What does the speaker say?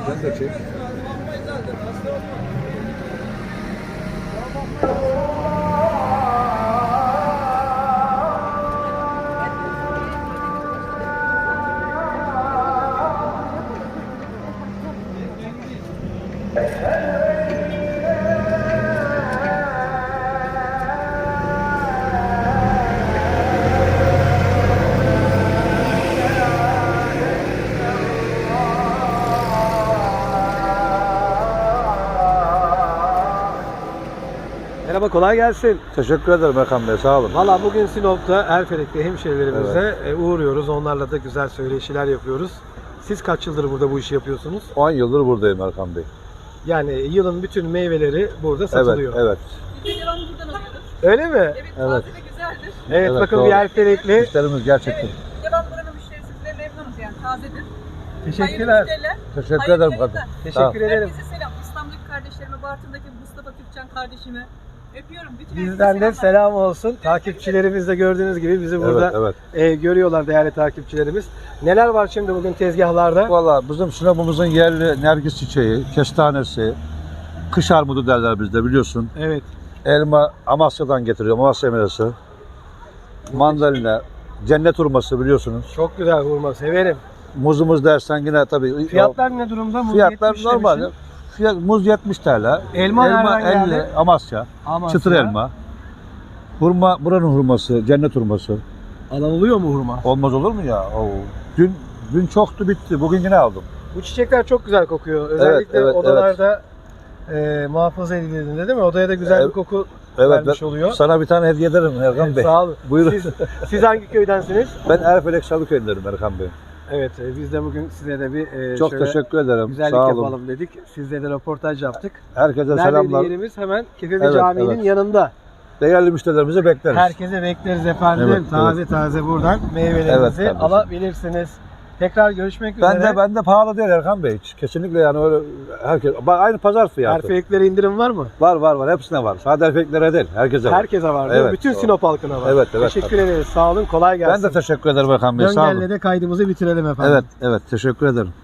Sen de çek. Merhaba, kolay gelsin. Teşekkür ederim Erkan Bey, sağ olun. Valla bugün Sinop'ta Erfelek'te hemşehrilerimize uğruyoruz. Onlarla da güzel söyleşiler yapıyoruz. Siz kaç yıldır burada bu işi yapıyorsunuz? 10 yıldır buradayım Erkan Bey. Yani yılın bütün meyveleri burada satılıyor. Evet. Biz de devamlı buradan alıyoruz. Öyle mi? Evet, Evet. taze ve güzeldir. Evet, Evet, bakın doğru. bir Erfelekli. Müşterimiz gerçekten. Evet, devam buranın müşterisi ve memnunuz yani, tazedir. Teşekkürler. Hayırlı müşteriler. Teşekkür Hayırlı ederim yayınlar. kadın. Teşekkür ederim. Herkese selam. İstanbul'daki kardeşlerime, Bartın'daki Mustafa Türkçen kardeşime öpüyorum. Bütün Bizden herkese de selam olsun. Takipçilerimiz de gördüğünüz gibi bizi burada Evet. görüyorlar değerli takipçilerimiz. Neler var şimdi bugün tezgahlarda? Valla bizim Sinop'umuzun yerli nergis çiçeği, kestanesi, kış armudu derler bizde biliyorsun. Evet. Elma Amasya'dan getiriyorum, Amasya meyvesi. Mandalina, cennet hurması biliyorsunuz. Çok güzel hurma, severim. Muzumuz dersen yine tabii. Fiyatlar ne durumda? Muz Fiyatlar 70 normal. demişsin. Muz 70 TL. Elma nereden 50 geldi? Amasya. Amasya. Çıtır elma. Hurma buranın hurması, cennet hurması. Alınılıyor mu hurma? Olmaz olur mu ya? Oo. Dün çoktu bitti. Bugün yine aldım. Bu çiçekler çok güzel kokuyor. Özellikle evet, odalarda muhafaza edildiğinde değil mi? Odaya da güzel bir koku vermiş oluyor. Sana bir tane hediye ederim Erkan Bey. Sağ olun. Buyurun. Siz hangi köydensiniz? Ben Erfelek Salıköy'ündenim Erkan Bey. Evet, biz de bugün size de bir Çok şöyle teşekkür ederim. güzellik Sağ olun. yapalım dedik. Sizle de röportaj yaptık. Herkese Neredeydi selamlar. yerimiz? Hemen Kefevi Evet, Camii'nin evet. yanında. Değerli müşterilerimizi bekleriz. Herkese bekleriz efendim. Evet, taze buradan meyvelerinizi Evet kardeşim. alabilirsiniz. Tekrar görüşmek üzere. Ben de pahalı değil Erkan Bey. Kesinlikle yani öyle herkes. Bak aynı pazar fiyatı. Erfeleklere indirim var mı? Var. Hepsine var. Sadece Erfeleklere değil. Herkese var. Herkese var değil mi? Evet, Bütün doğru. Sinop halkına var. Evet. Teşekkür ederiz. Sağ olun. Kolay gelsin. Ben de teşekkür ederim Erkan Bey. Sağ olun. Döngelle de kaydımızı bitirelim efendim. Evet. Teşekkür ederim.